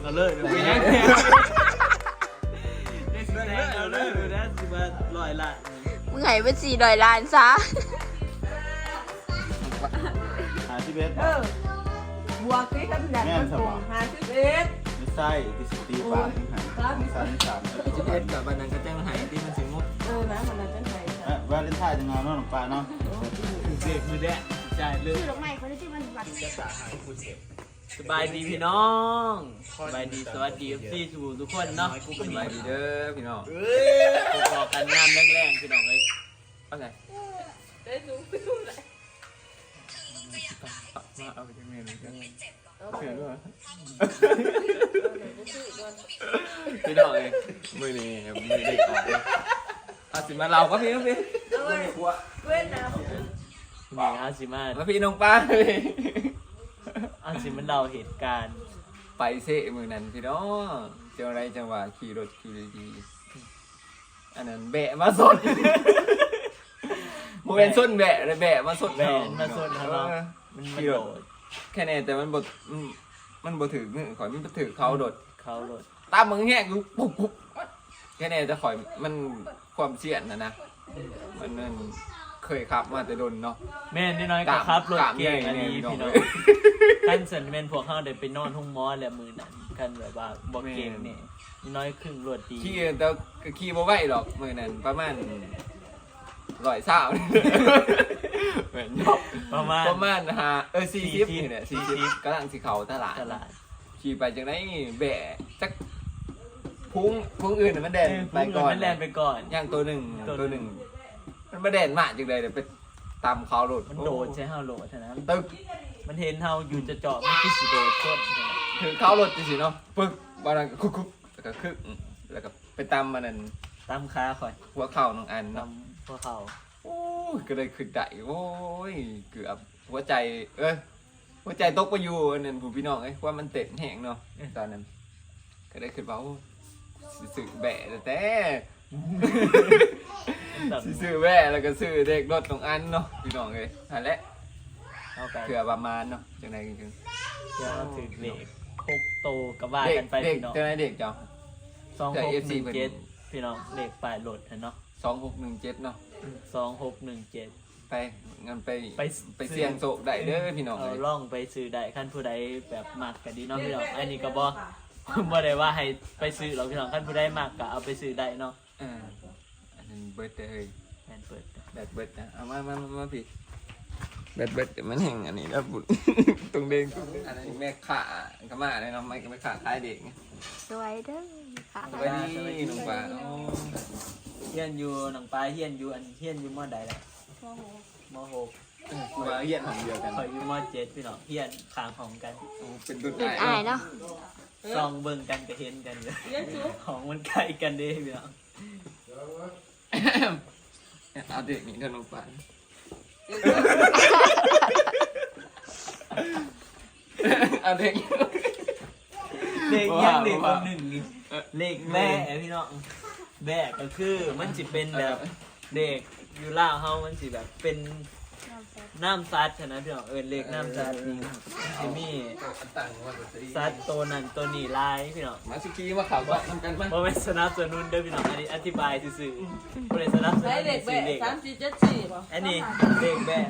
ก็เลยไปยังได้สิแซงเอาเลยนะสิมา100 ล้านมึงให้เป็น400 ล้านซะบวกที่กำลังมันสูง51 ไม่ใช่ที่สตีปาที่หัน 11กับวันนั้นก็จังหายที่มันสิงบนะมันจะไหนวาเลนไทน์จะงานน้องปลาเนาะเด็กมือแดะจ่ายเลยชื่อดอกไม้คนที่มันบัตรสบายดีพี่น้องสบายดีสวัสดีพี่ทุกคนเนาะสบายดีเด้อพี่น้องพอกันงานแรงๆพี่น้องเลยเอาไงได้สูงเลยมาเอาไปจังเมนูกันเชื่อด้วยพี่น้องเลยมือนี่มือเด็กก่อนอาสิมาเราก็พี่เว้นนะนี่อาสิมาแล้วพี่น้องป้าอาสิมันเราเหตุการณ์ไปเซ่มือนั้นพี่น้องเจ้าไรจังหวะขี่รถขี่ดีอันนั้นแบะมาสดโมเป็นส้นแบะเลยแบะมาสดแบะมาสดครับมันขี่รถแค่นี้แต่มันบดถือมือข่อยมันถือเขาโดดตามมึงแห้งปุ๊บแค่นี้จะข่อยมันความเสี่ยงนะมันเคยขับมาแต่โดนเนาะแม่น้อยก็ครับรถเก่งอันนี้พี่น้องกันสันแม่นพวกเขาได้ไปนอนห้องหมอแล้วมือนั้นกันแบบว่าบ่เก่งนี่น้อยครึ่งรถดีขี่แต่ขี่บ่ไหวหรอกมือนั้นประมาณ120เหมือนประมาณ 40นี่แหละ40กำลังสิเข้าตลาดขี่ไปจังได๋แบะจักพุงอื่นมันแดนไปก่อนมันแล่นไปก่อนอย่างตัวหนึ่งมันมาแดนมากจังเลยเดี๋ยวไปตามเขาโหลดมันโดดใช้เฮาโหลดเท่านั้นตึกมันเห็นเฮาอยู่จะเจาะมันคือสิโดดต้นคือเขาโหลดจริงๆเนาะปึ๊กบอลคุกแล้วก็คึกแล้วก็ไปตามมันนั่นตามขาข่อยหัวเข่าน้องอันตามหัวเข่าโอ้ยก็เลยขึ้นได้โอ้ยเกือบหัวใจหัวใจตกไปอยู่นั่นผู้พี่น้องว่ามันเต้นแห้งเนาะตอนนั้นก็ได้ขึ้นว่าสื่อแบะแต่ซื้อแว่แล้วก็ซื้อเด็กรถตรงอันเนาะพี่น้องเลยนั่นแหละเผื่อประมาณเนาะจังไหนจริงๆเดี๋ยวถือเด็ก6โตกับว่ากันไปพี่น้องจังไหนเด็กเจ้า 2617พี่น้องเลขปลายรถเนาะ 2617เนาะ 2617 ไปงั้นไปเสี่ยงโศกได้เด้อพี่น้องเลยล่องไปซื้อได้ขั้นผู้ใดแบบมักก็ดีเนาะพี่น้องอันนี้ก็บ่ได้ว่าให้ไปซื้อหรอกพี่น้องขั้นผู้ใดมักก็เอาไปซื้อได้เนาะอันนั้นเบิร์ดเลยแบตเบิร์ดนะเอามาพี่แบตเบิร์ดมันแห้งอันนี้แล้วบุญตรงเด้งอันนี้แม่ขาขม่าเลยเนาะไม่ขาคล้ายเด็กสวยเด้อค่ะสวัสดีน้องปลาเฮียนอยู่น้องปลาเฮียนอยู่ม.ใดล่ะม.6 มาเฮียนของเดียวกันข่อยอยู่ม.7พี่น้องเฮียนข้างห้องกันเป็นดุจอายเนาะซองเบิ่งกันก็เห็นกันเลยของมันใกล้กันเด้พี่น้องเอาเด็กนี่กันลงไปเอาเด็กยังเด็กคนหนึ่งนี่เลขแม่พี่น้องแม่ก็คือมันสิเป็นแบบเด็กอยู่ล่าเฮามันสิแบบเป็นน้ำซัดนะพี่น้องเลขน้ำซัดนี่สิมีซัดตัวนั้นตัวนี้ลายพี่น้องมาสิกี้มาข่าวก็ทำกันมั้ยบ่แม่นสนับสนุนเด้อพี่น้องอันนี้อธิบายซื่อๆบ่ได้สนับสนุนเลข3474บ่อันนี้เลขแบะ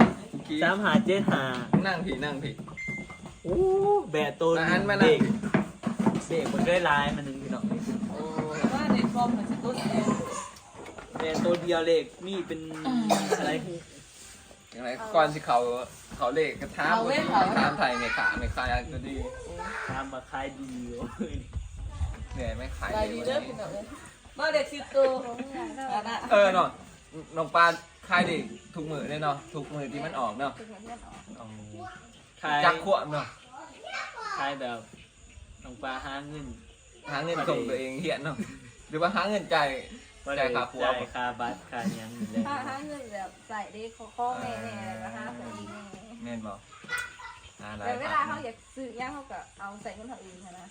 3575 นั่งผีโอ้แบะตัวเด็กมันได้ลายมันนึงพี่น้องโอ้ว่าเด็กคอมมันสิตุ๊ดแบะตัวเดียวเลขนี่เป็นอะไรอย่างไรก่อนที่เขาเลขกระทามไทยไม่ขายก็ดีทำมาขายดีเนี่ยไม่ขายดีเด้อพี่น้องมาเด็ก10ตัวของเนาะน้องปลาขายดีทุกมือเลยเนาะทุกมือที่มันออกเนาะจักขวบเนาะขายแบบน้องปลาหาเงินส่งตัวเองเหี้ยนเนาะหรือว่าหาเงินจ่ายค่าขวบค่าบัตรค่ายังหาเงินแบบใส่ได้ข้อแม่อะไรก็หาคนอีกแม่นบอกแต่เวลาเขาอยากซื้อย่างเขาก็เอาใส่เงินเขาอื่นนะ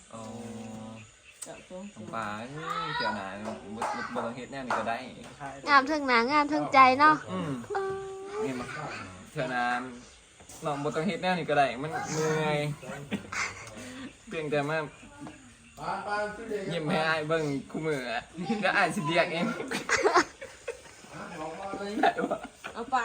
ปลาเจ้าหนาบางเฮ็ดแน่นี่ก็ได้งามทั้งหนังงามทั้งใจเนาะนี่มาเจ้าหนาลองบางเฮ็ดแน่นี่ก็ได้มันเหนื่อยเพียงแต่มายิ้มให้อ้ายเบิ่งคู่มืออะแล้วอ้ายสิเรียกเองได้บ่เอาปลา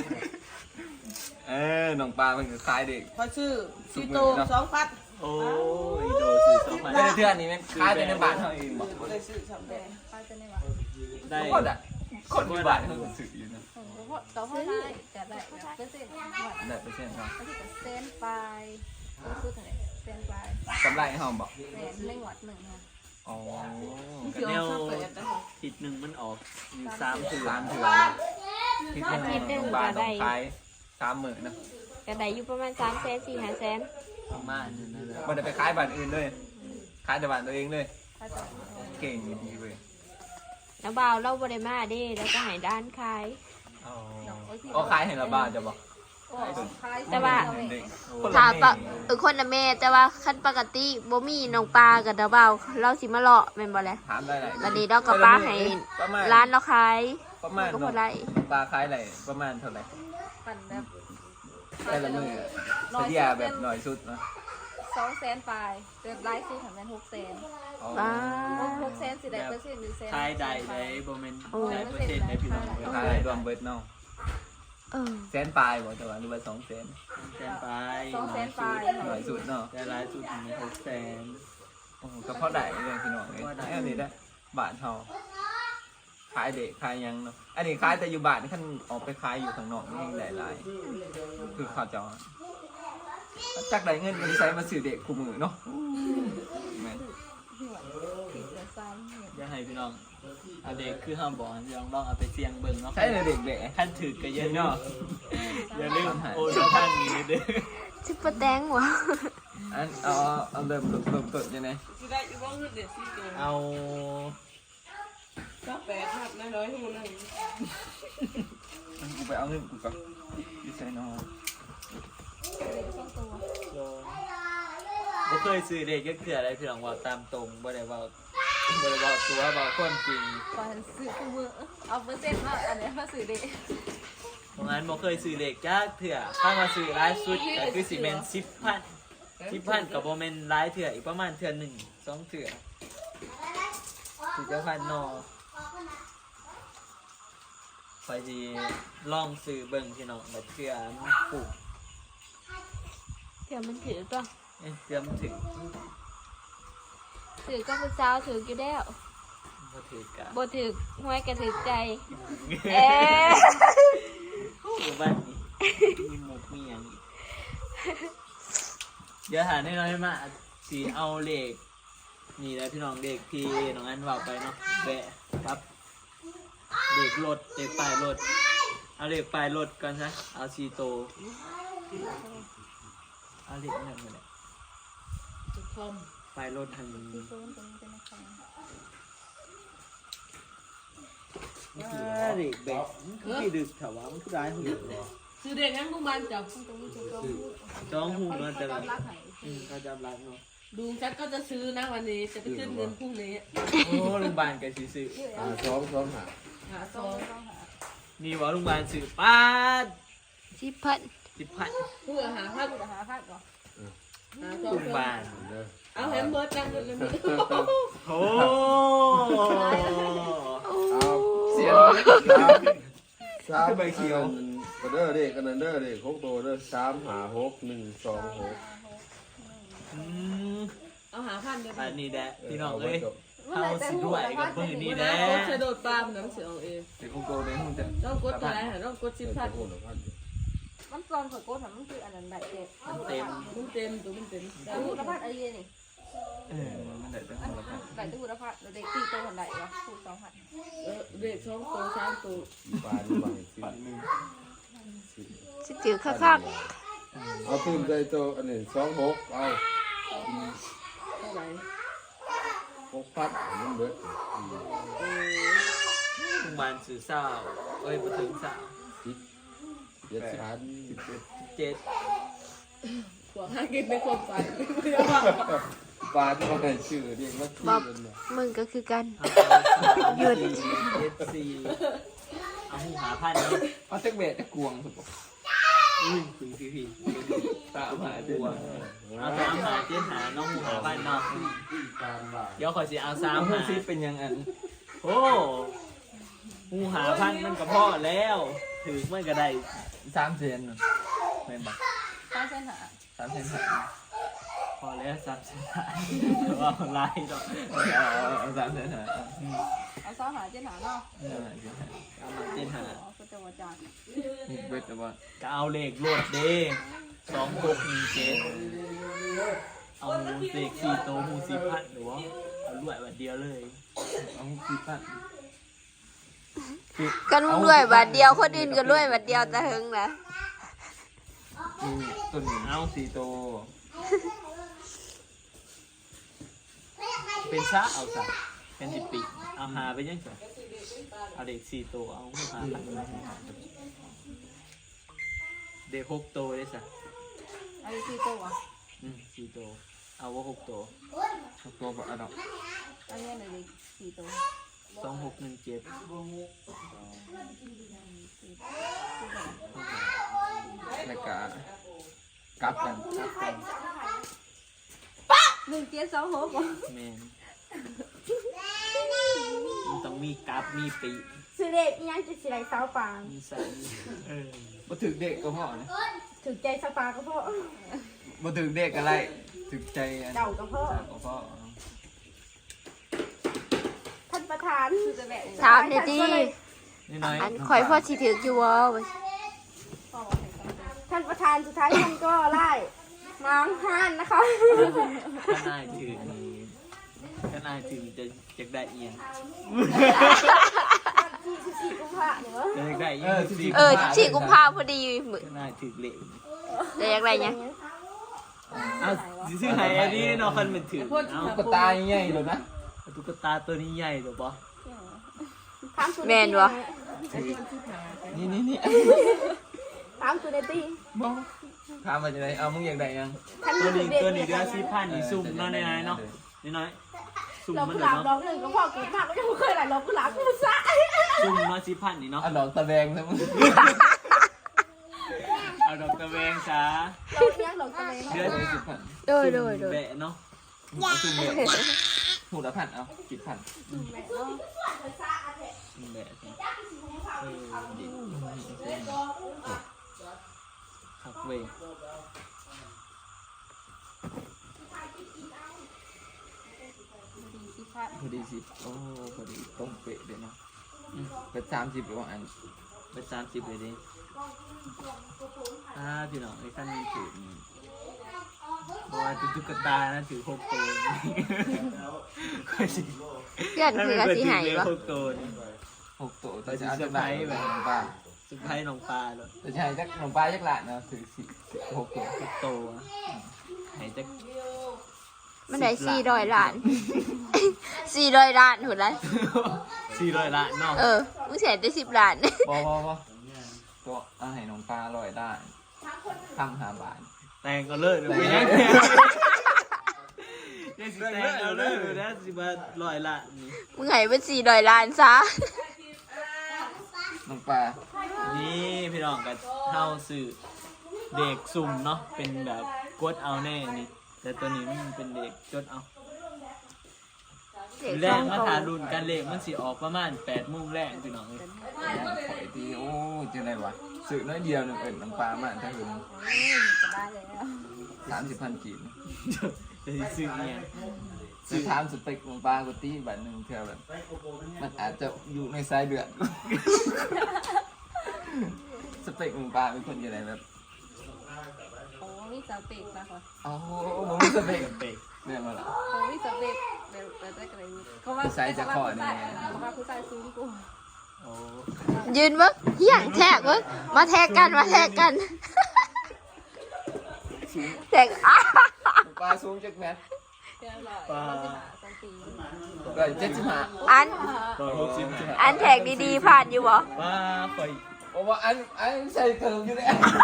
น้องปลามันก็คล้ายเด็กพอชื่อซีโต2,000 โอ้ยโดสิ2,000 เทื่อนี้แม่นคล้ายแต่ในบ้านเฮาเองบ่เลยซื้อสำเร็จปลาจะได้ว่าได้คนอ่ะคนอยู่บ้านเฮาก็ซื้ออยู่นะต่อเท่าไหร่จะได้เปอร์เซ็นต์ได้เปอร์เซ็นต์เนาะก็ที่เซนปลายก็คือเท่าไหร่เซนปลายกำไรเฮาบ่แสนไม่หวัดหนึ่งค่ะอ๋อก็แนวทิศหนึงมันออกอยู่3 3 3 เทื่อคิดว่าน้องปลาต้องขาย30,000นะก็ได้อยู่ประมาณ300,000 400,000 ประมาณนั้นนะบ่ได้ไปขายบ้านอื่นเลยขายแต่บ้านตัวเองเลยถ้าจะเก่งดีเว้ยแล้วบ่าวเราบ่ได้มาเด้แล้วก็ให้ด้านขายอ๋อขายให้ละบ้านจะบ่แต่ว่าเด็กถ้าปะคนละแม่แต่ว่าคันปกติบ่มีน้องปลากับดาวบ่าวเราสิมาเลาะแม่นบ่แหละถามได้หลายบัดนี้เราก็ปลาให้ประมาณร้านเราขายประมาณก็พอได้ปลาขายอะไรประมาณเท่าไหร่ปั่นแบบแต่ละมื้อเฉลี่ยแบบหน่อยสุดนะ 200,000ปลายเดือนไลฟ์ซื้อถึงเป็น600,000 อ๋อว้า 600,000สิได้เปอร์เซ็นต์หรือเซนขายได้ได้บ่แม่นได้เปอร์เซ็นต์ได้พี่น้องขายรวมเบิดเนาะเออแสนปลายบ่แต่ว่าหรือว่า200,000 แสนไป 200,000ปลายหน่อยสุดเนาะได้หลายสุดถึง600,000 โอ้โหก็พอได้เลยพี่น้องเอ้ยอันนี้ได้บาทเฮาขายเด็กขายหยังเนาะอันนี้ขายแต่อยู่บ้านคันออกไปขายอยู่ข้างนอกนี่หลายๆคือเขาเจ้าจักได้เงินกันใช้มาซื้อเด็กคู่มือเนาะแม่นติดเดือนซ้ำอย่าให้พี่น้องเอาเด็กคือห้ามบอกลองเอาไปเสี่ยงเบิ่งเนาะใช้เลยเด็กแหละขั้นถือก็เยอะเนาะอย่าลืมโอนทางนี้เด้อซุปเปอร์แตงวะอันเอาเริ่มต้นยังไงสิได้อยู่บ่เงินเดือน4ตัวเอาก็8ครับน้อยๆหูนึงกูไปเอาเงินกูก่อนดิไซน์นอบ่เคยซื้อเด็กก็คืออะไรพี่น้องว่าตามตรงบ่ได้ว่าตัวว่าความจริงปานซื้อคู่มือเอาเปอร์เซ็นต์ว่าอันนี้มาซื้อได้เพราะงั้นบ่เคยซื้อเด็กจักเถื่อถ้ามาซื้อหลายสุดก็คือสิแม่น10,000ก็บ่แม่นหลายเถื่ออีกประมาณเถื่อ1 2เถื่อสิจะพันนอไปสิลองซื้อเบิ่งพี่น้องบัดเถื่อมันถูกเดี๋ยวมันถือตัวเถื่อมันถึงถือก็ผู้สาวถืออยู่แล้วบ่ถือกะบ่ถือหวยก็ถือใจเอ๊เอ๊ะอยู่บ้านนี้มีหมกมีอย่างอีกเดี๋ยวหาแน่นอนมาสีเอาเลขนี่แหละพี่น้องเลขที่น้องอันว่าไปเนาะแบะปั๊บเลขรถเลขปลายรถเอาเลขปลายรถก่อนซะเอาซีโตเอาเลขนั่นมาเลยปลายรถทางนี้เลขแบะมันคือที่ดึกแถวว่ามันคือได้หูซื้อเด็กงั้นลูกมันจับจ้องหูเนาะแต่ละรักไหนเขาจำรักเนาะดูฉันก็จะซื้อนะวันนี้จะไปขึ้นเงินพรุ่งนี้โอ้โรงพยาบาลกับซื้อหาซองนี่ว่าโรงพยาบาลซื้อป้าด 10,000 10,000 เพื่อหาพัดหาพัดก่อนหาซองโรงพยาบาลเอาแฮมเบอร์จังเลยนี่โอ้เสียสามใบเขียวกระเด้อเด็กกันเด้อเด็ก6ตัวเด้อ356 อืมเอาหาพันเดียวอันนี้แหละพี่น้องเอ้ยเอาสิด้วยกับมือนี่แหละกดโดดปลามันน้ำเสียงเองเด็กกูโกในห้องจะต้องกดตัวไหนต้องกด10,000 มันซองของโก้ถามมันคืออันนั้นได้เด็ดมันเต็มมันเต็มตัวมันเต็มตู้ละพัดไอ้เหี้ยนี่มันได้แต่อัห้อน งละพันได้ตู้ละพัดเด็กตีโตคนใดวะคู่2,000 เด็ก2ตัว3ตัวปัดมือสิถือคักเอาตื้มใจตัวอันนี้26เอาเท่าไหร่ 6,000มันเบิดโรงพยาบาลซื้อเศร้าเอ้ยมาถึงเศร้า 7,000 7 พวกหากินในความฝันปาดมาให้ชื่อเรียกว่าที่ๆบอกนั่นน่ะมึงก็คือกันหยุด7 4เอาหูหาพันเนาะเอาเซ็กเบตกวงสุดอุ้ยพี่ 3 5 7 เอา3 หา7 หาน้องหมูหาบ้านนอกเดี๋ยวขอสิเอา3 หา 10เป็นยังอันโอ้หมูหาพันมันก็พอแล้วถือมันก็ได้ 3 เซนแม่นบ่ตั้งเส้นหา 3 เซนพอแล้ว3 เส้นหาว่าลายดอกเอา3 เซนเอาซ้อหาเจ็ดหาเนาะเอามา7 หาอ๋อก็จะว่าจานนี่เบิดแต่ว่าก็เอาเลขรวดเด้2617เอาเลข4โตวหมู4,000หรือว่าเอารวยวันเดียวเลยเอา10 บาทก็มึงรวยบาทเดียวคนอื่นก็รวยบาทเดียวแต่หึงนะต้นเอา4โตเป็นซะเอาซะเป็น10 ปีเอาหาไปยังไงเอาเลข4โตวเอาหาพันเด็ก6โตวได้ซะเอาที่ตัว 4โตวเอาว่า6โตว 6 ตัวบ่เอาดอกอันนี้เลยสี่ตัว 2617 แล้วก็กลับกัน 1726 แมนมันต้องมีกราฟมีปีซื้อเด็กยังจะสิไรสาวปางมีใส่เออบ่ถึกเด็กก็พอนะถึงใจสปาก็เพราะบ่ถึกเด็กอะไรถึกใจอันเก่าก็เพราะก็พอท่านประธานคือจะแบบถามได้ดีนี่น้อยอันข่อยพ่อสิถืออยู่บ่ท่านประธานสุดท้ายท่านก็ไล่น้องห้านนะคะถ้านายถือนี่ถ้านายถือจะได้เอียงสี่กุมภาหรือว่าจะได้เอียงสิ 14กุมภาพันธ์พอดีมื้อถ้านายถือเหล็กได้อยากได้หยังเอาซื้อให้อันนี้เนาะคันมันถือเอาตุ๊กตาใหญ่ๆเลยนะตุ๊กตาตัวนี้ใหญ่หรือเปล่าถามสุดแม่นบ่นี่ถามสุดในตีบ่ถามว่าจะได้เอามึงอยากได้ยังท่านตัวสุนี้ดเด็กตัวนี้เดือน4,000นี่ซุ่มเนาะในๆเนาะนี่น้อยซุ่มเรามันกุเลหยลาบดอเนาะกหนึ่งก็พอเกิดมากก็ยังไม่เคยหลายเรากุหลาบกูซะซุ่มเนาะ4,000นี่เนาะเอาดอกตะแบงซะมึงเอาดอกตะแวงซะเราเลี้ยงดอกทะเลเดือน 10,000 โดยแบะเนาะเอาซุ่มเดียวหูละพันเอา10,000 แบะสิดีขับเวงพอดีสิโอ้พอดีตรงเป๊ะเลยเนาะเป็น30หรือว่าอันเป็น30เลยดิพี่น้องไอ้ขั้นนี้ถือนี่บอกว่าตุ๊กตานะถือ6ตัวค่อยสิเพื่อนคือก็สิให้บ่ 6ตัวนี่ 6ตัวแต่จะเอาจากไหนแบบน้องปลาสุดท้ายน้องปลาเลยแต่จะให้จักน้องปลาจักหลานเนาะถือ6ตัว 6ตัวให้จะมันได้400ล้าน400ล้านหุ่นละ 400 ล้านเนาะมึงเสียได้10ล้านบ่ตัวเอาให้น้องปลา100ล้านทำ5 บาทแต่งก็เลิกเลยไม่ได้ยังสิแต่งเอาเลิกเลยนะสิมา100 ล้านนี่มึงให้เป็น400ล้านซะน้องปลานี่พี่น้องกันเท่าสื่อเด็กสุ่มเนาะเป็นแบบกดเอาแน่นี่แต่ตัวนี้มันเป็นเด็กจดเอาแรกมาทารุ่นกันเลขมันสิออกประมาณ8 โมงแรกพี่น้องเอ้ยข่อยทีโอ้จังได๋วะซื้อน้อยเดียวนึงน้องปลามาถ้าถึงจะได้แล้ว 30,000กีบจะสิซื้อเนี่ยซื้อถามสเปคน้องปลาก็ตีบัดนึงเท่าแบบมันอาจจะอยู่ในสายเดือด สเปคน้องปลาเป็นคนยังไงแบบโอ้นี่สเปกนะค่ะโอ้โหมึงสเปคเปกเนี่ยมาละโอ้นี่สเปกแบบได้กันเลยเขาว่าเขาว่าผู้ชายสูงกูโอ้ยืนเบิ่งเฮียงแทกเบิ่งมาแทกกันแทกอ้าปลาสูงจักแมตรเดี๋ยวรอ2 ปีก็75 อัน 160 อันแทกดีๆผ่านอยู่บ่ว่าข่อยโอ้ว่าอันใส่เกินอยู่เลย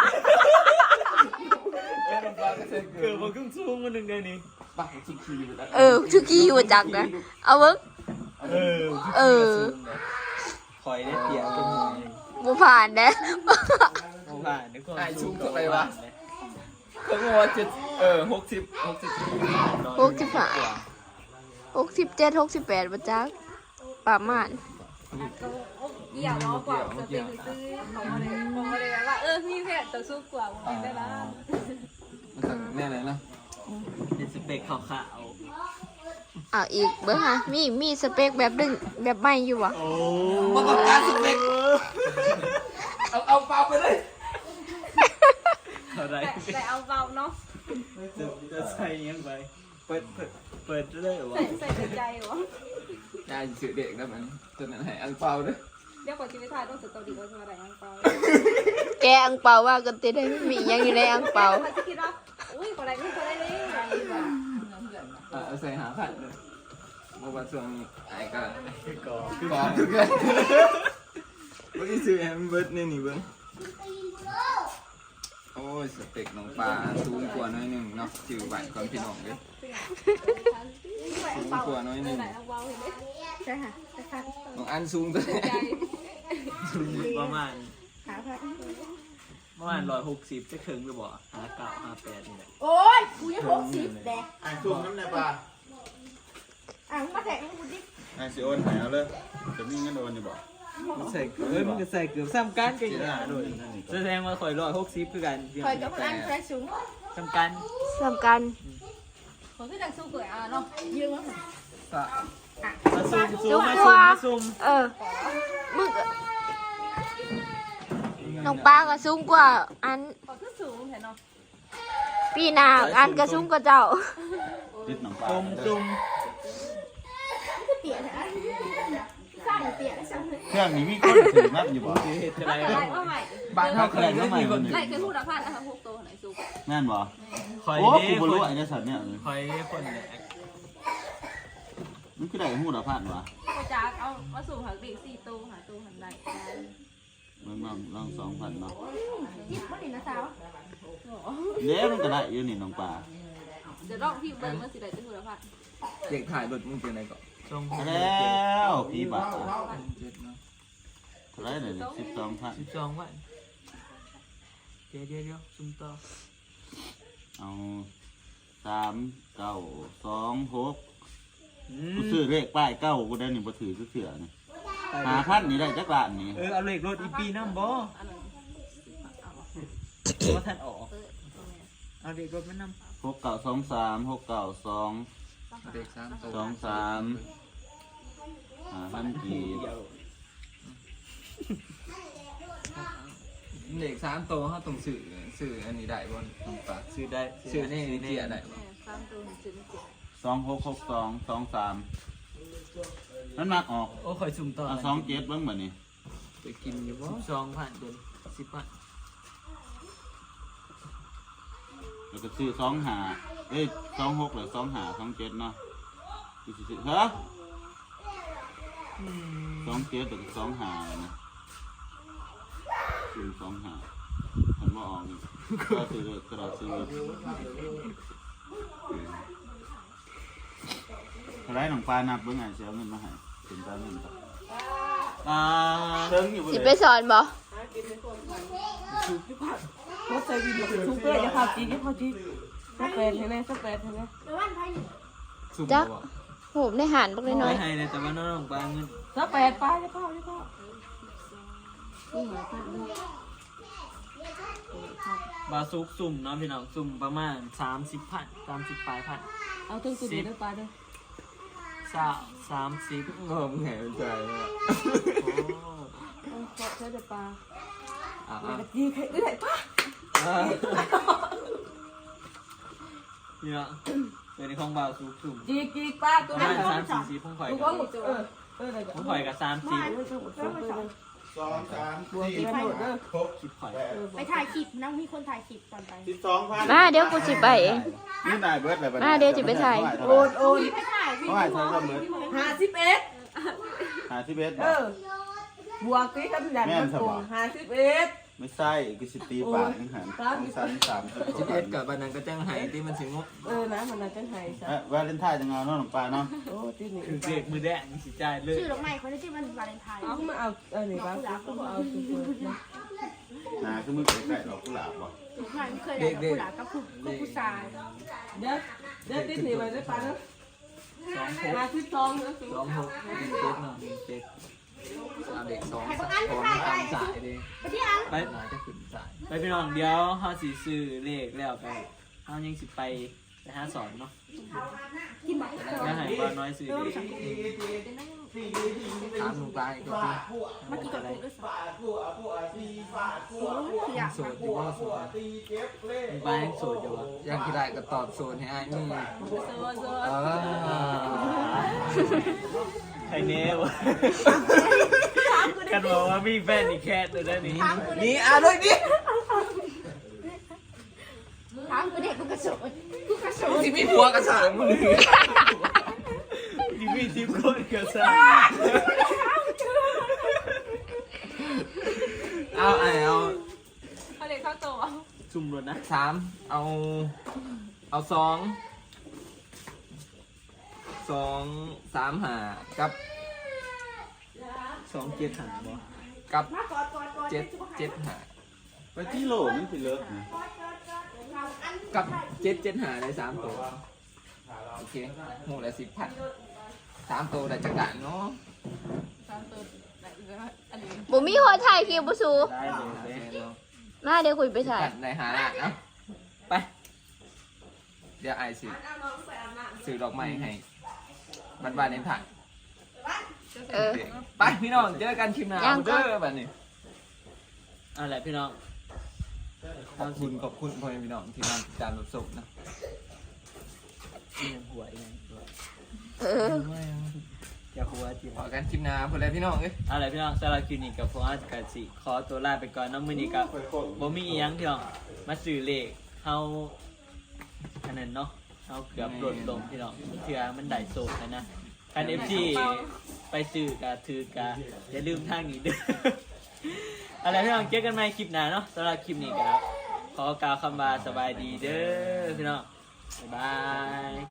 เอ้ยน้องปลาก็ใส่เกิเกินดมาครึ่งชั่วโมงนึงเลยนี่ปลาชิคีอยู่แล้วทุกกี้อยู่จักนะเอาเบิ่งเออข่อยได้เปรียบเป็นหน่วยบ่ผ่านเด้โอ้ผ่านในความไอ้สูสูงงเท่าไหร่วะ เขาบอกว่า60 67 68บ่จักประมาณก็เกี่ยวเนาะกว่าสเปคซื้อของมาเลยว่ามีแพทย์ต่อสู้กว่าผมได้ละแน่เลยนะเป็นสเปคขาวอ้าวอีกเบิ่งฮะมีสเปคแบบดึงแบบใหม่อยู่บ่ๆโอ้มาต้องการสเปคเอาเปล่าไปเลยอะไรแต่เอาเบาเนาะจะใส่ยังไงเปิดเลยวะใส่ใจวะได้สื่อเด็กนะมันจนนั้นให้อังเปล่าด้วยเดี๋ยวก่อนชีวิตไทยต้องสตอรี่ว่าจะมาได้อังเปาแกอังเปาว่ากันติได้มีหยังอยู่ในอังเปาเขาจะคิดว่าอุ้ยคนใดไม่คนใดเลยเอาใส่หาผัดเลยบอกว่าช่วงไอ้ก็ก่อก่อนทุกอย่างเมื่อกี้ซื้อแอมเบิร์ดนี่เบิ้งโอ้ยสเต็กน้องปลาสูงกว่าน้อยหนึ่งเนาะจือไหวความพี่น้องเลยสูงกว่าน้อยหนึ่งไหนเอาเบาเห็นไหมใช่ค่ะใช่ค่ะน้องอันสูงตัวนี้ใจประมาณหาพัด 160จะถึงหรือบ่5958นี่แหละโอ้ยกูยัง60แดกอ่านซุ่มน้ำในปลามาแทงกูดิอ่านสิโอนหายเอาเลยจะมีเงินโอนอยู่บ่ใส่เกือบมันก็ใส่เกือบซ้ำกันกันแสดงว่าข่อย160คือกันคอยกับอันแฟสูงซ้ำกันสำคัญคนที่ดังสู้เกิดเนาะยืมมั้งมาซุ่มมึงก็น้องปลาก็สูงกว่าอันขอขึ้นสูงเห็นเนาะปีหน้าอันก็สูงกว่าเจ้าดิดหนังปลาซุ่มเตี๋ยนะสร้างเตี๋ยนะช่างเลยเครื่องนี้มีคนถือนับอยู่บ่เฮ็ดอะไรอะไรว่าใหม่บ้านเขาเคยได้มีคนไหนเคยพูดอะพลาดนะคะพวกโตไหนสู้แม่นบ่ข่อยโอ้เด้กูบ่ครู้นไอ้เจ้าสัตว์เนี่ยข่อยคนแหละมันคือได้หู้ดอกพันวะก็จะเอามาสู่หาเด็ก4ตู้หาตู้หันได้มันลอง2,000เนาะยิบมันนี่นะสาวเด้มันก็ได้อยู่นี่น้องปลาเดี๋ยวลองพี่เบิร์ดมาสิได้จะพูดอะพลาดเด็กถ่ายรถมึงเป็นอะไรก่อนส่งแล้วพี่บาท 7เนาะเท่าไหรเลย12,000 12วันเดี๋ยวซุ่มต่อเอา3,926กูซื้อเลขป้ายเก้ากูได้นี่บ่ถือคือเสือนี่5,000นี่ได้จักล้านนี่เอาเลขรถอีปีน้ำบ่อันนั้นว่าท่านออกเอาเลขรถมันนำ 6923 692 เด็ก3ตัว 5,000กีบเด็ก3ตัวเขาต้องสื่ออันนี้ได้บ่น้องปลาซื้อได้สื่อนี่เจียได้บ่ 3ตู้ซื้อไม่เจ็บ 2662 23มันมักออกโอ้ข่อยซุ่มต่อเอา27เบิ่งบัดนี้ไปกินอยู่บ่ 12,000เดือน10,000 แล้วก็ซื้อ2526หรือ25 27เนาะกูสิซื้อฮะ27แล้วก็25นะซื้อ25มันบ่ออกนี่ก็ซื้อกระดาษซื้อเท่าไหรน้องปลานับเบิ่งไงเสียเงินมาให้ถึงตาเงินต่อเติมอยู่บ่สิเลไปยสอนบ่เขาใส่วิดีโอซูเปอร์จะพาจีจะพาจีสเปนเห็นไหมสเปนเห็นไหมซุ่มจักบ่โหมได้หารบักน้อยไม่ให้เลยแต่ว่าน้องปลาเงินสเปนป้าจะเข้าจะเข้าบาซุกซุ่มเนาะพี่น้องซุ่มประมาณ30,000 30ปลายพันเอาตึ้งตัวเดียวป้าเด้อ 30 งอมแหงใจเนี่ยเอาเกาะเธอเดี๋ยวป้าอ่ะเดี๋ยวจีใครได้ไหนป้าเนี่ยเป็นของบาซุกซุ่มจีป้าตัวประนั้นมาณ3-4ของข่อยตัวกับหมดอะไรของข่อยกับ30 2 3 บวกกี่พันเด้อคลิปข่อยไปถ่ายคลิปนะมีคนถ่ายคลิปก่อนไป 12,000 มาเดี๋ยวกูสิไปเองนี่นายเบิร์ดอะไรมาเดี๋ยวจะไปถ่ายโอนโอนไปถ่ายวิเขาดีให้โอใช้ก็เบิร์ด 51 51 บวกกี่คำยันมันโกง51 ไม่ใช่กูสิตีปากนี่หัน 11กับบันนั้นก็จังไห้ที่มันสิงบนะมันน่าจะหายซะวาเลนไทน์จะงานน้องหนุ่มปลาเนาะโอ้ที่นี่คือเด็กมือแดงสิจ่ายเลยชื่อดอกไม้คนที่มันวาเลนไทน์เอามาเอานี่ป้าก็เอาสุดๆนะคือมือไก่ดอกกุหลาบบ่มันเคยได้กับผู้หลานกับผู้ชายเดี๋ยวติดหนีไปได้ปะเนาะมาที่ซองเนาะ 2617เนาะ17 เด็ก2 3คนตามสายดิไปน่าจะขึ้นสายไปพี่น้องเดี๋ยวเฮาสิซื้อเลขแล้วไปเฮายังสิไปหาสอนเนาะที่หมักแล้วให้บ่น้อยซื้อเลขถามลุงปลาอีกทีมากี่กับกูด้วยซ้ำคืออยากโสดอยู่ว่าโสดมึงไปให้โสดอยู่บ่อยากกี่ได้ก็ตอบโสดให้อ้ายนี่โซใครแน่วะกันบอกว่ามีแฟนอีกแค่ตัวได้นี่นี่เลยนี่ถามกูเด็กกูกระโดดกูกระโดดที่มีผัวกระสางมึงที่มีทีมคนกันซะเอาเขาเด็กเข้าโตซุ่มรถนะ 3เอา2 3 5กับ 275บ่กับ7 5 ไปที่โหลมันสิเลิกกับ775ได้3ตัวโอเคหมู่ละ 10,000 3ตัวได้จักด่านเนาะบ่มีคนถ่ายคลิปบ่สูได้เลยเด้มาเดี๋ยวคุยไปถ่ายกันได้หาล้านเนาะไปเดี๋ยวไอ้สิซื้อดอกไม้ให้บ้านๆในถ่ายเออไปพี่น้องเจอกันคลิปหน้ายังก่อนเด้อบัดนี้เอาล่ะพี่น้องขอบคุณพ่อแม่พี่น้องที่มาติดตามรับชมนะอีหยังหัวอีหยังหัวเอออย่าหัวจิขอกันคลิปหน้าพุ่นแล้วพี่น้องเอ้ยเอาล่ะพี่น้องสำหรับคลิปนี้กับพวกอาจารย์สิขอตัวลาไปก่อนเน้องมื้อนี้กับบ่มีอีหยังพี่น้องมาซื้อเลขเฮาอันนั้นเนาะเฮาเกือบหล่นลงพี่น้องเทื่อมันได้โซดนะคัน FG ไปซื้อกะถือกะอย่าลืมทางนี้เด้อ เอาล่ะพี่น้องเจอกันใหม่คลิปหน้าเนาะสำหรับคลิปนี้ก็ขอกล่าวคำว่าสบายดีเด้อพี่น้องบ๊ายบาย